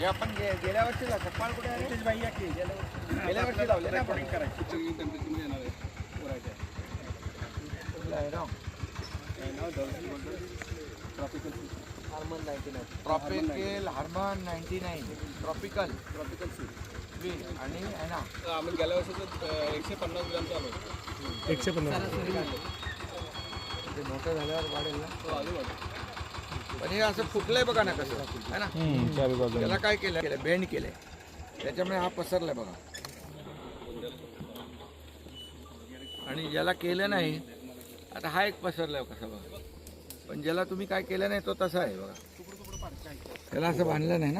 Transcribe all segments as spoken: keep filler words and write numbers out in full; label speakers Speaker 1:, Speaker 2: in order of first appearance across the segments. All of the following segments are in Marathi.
Speaker 1: हे आपण गे- गेल्या वर्षी कपाळ कुठे आहे? बाई आहे की गेल्या वर्षी गेल्या वर्षी लावले ना आपण करायची टेम्परेचरमध्ये येणार आहे पुरायच्या कुठलं आहे राव नाव tropical Harman ninety nine tropical Harman ninety nine tropical tropical सी आणि आहे ना आम्ही गेल्या वर्षीचं एकशे पन्नास ग्रामचं आलो
Speaker 2: एकशे पन्नास
Speaker 1: ते मोठं झाल्यावर वाढेल ना तो आधी वाढेल पण हे असं फुटलंय बघा ना कसं आहे ना त्याला काय केलं केलं बेंड केलंय त्याच्यामुळे हा पसरलाय बघा आणि ज्याला केलं नाही आता हा एक पसरलाय कसा बघा पण ज्याला तुम्ही काय केलं नाही तो तसा आहे बघा त्याला असं बांधलं नाही ना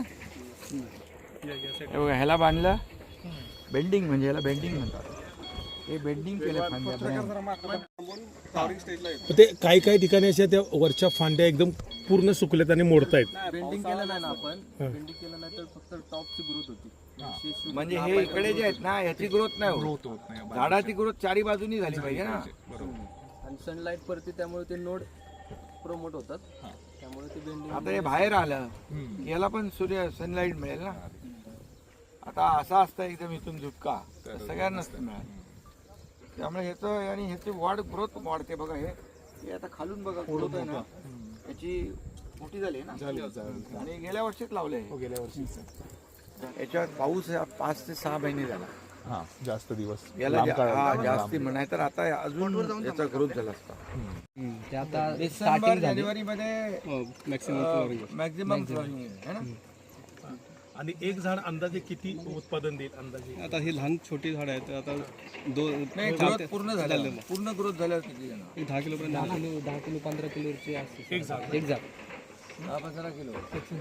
Speaker 1: हे बघा ह्याला बांधलं बेंडिंग म्हणजे ह्याला बेंडिंग म्हणतात हे बेंडिंग केलं फांद्या
Speaker 2: ते काही काही ठिकाणी अशा त्या वरच्या फांद्या एकदम पूर्ण सुकल्यात आणि मोडतायत.
Speaker 3: बेंडिंग केलं नाही ना आपण बेंडिंग केलं नाही तर फक्त टॉपची ग्रोथ होती
Speaker 1: म्हणजे हे इकडे जे आहेत ना ह्याची ग्रोथ नाही होत झाडाची ग्रोथ चारी बाजूनी झाली पाहिजे ना
Speaker 3: आणि सनलाईट पडते त्यामुळे ते नोड प्रमोट होतात त्यामुळे ते बेंडिंग
Speaker 1: आता हे बाहेर आलं याला पण सूर्य सनलाईट मिळेल ना आता असा असतं एकदम इथून झुटका सगळ्यांनाच मिळाल त्यामुळे ह्याचं आणि ह्याची वाढ ग्रोथ वाढते बघा हे हे आता खालून बघा ग्रोथ आहे ना याची मोठी झाली ना आणि गेल्या वर्षीच लावले
Speaker 2: गेल्या वर्षी
Speaker 1: याच्यात पाऊस पाच ते सहा महिने झाला
Speaker 4: हा जास्त दिवस
Speaker 1: याला जास्ती म्हणाय तर आता अजून याचा ग्रोथ झाला असता डिसेंबर जानेवारी मध्ये मॅक्झिमम फ्लॉरिंग आहे ना
Speaker 2: आणि एक झाड अंदाजे किती उत्पादन देईल अंदाजे
Speaker 3: आता ही लहान छोटी झाड आहेत आता दोन
Speaker 1: नाही ग्रोथ पूर्ण झालं पूर्ण ग्रोथ झाल्यावर किती जण
Speaker 3: एक दहा किलो पर्यंत दहा किलो दहा किलो पंधरा किलोची असते
Speaker 2: एक झाड
Speaker 3: एक झाड
Speaker 1: दहा पंधरा किलो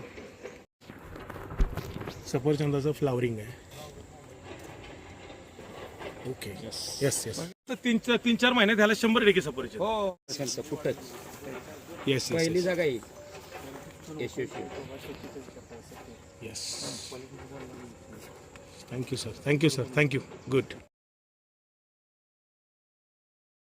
Speaker 2: सफरचंदाचं फ्लावरिंग आहे. ओके यस यस यस तीन चार तीन चार महिन्यात ह्याला शंभर टक्के सफरचंद
Speaker 1: हो
Speaker 3: फुटच
Speaker 2: येस
Speaker 3: पहिली जागा येईल यशस्वी
Speaker 2: yes thank you sir thank you sir thank you good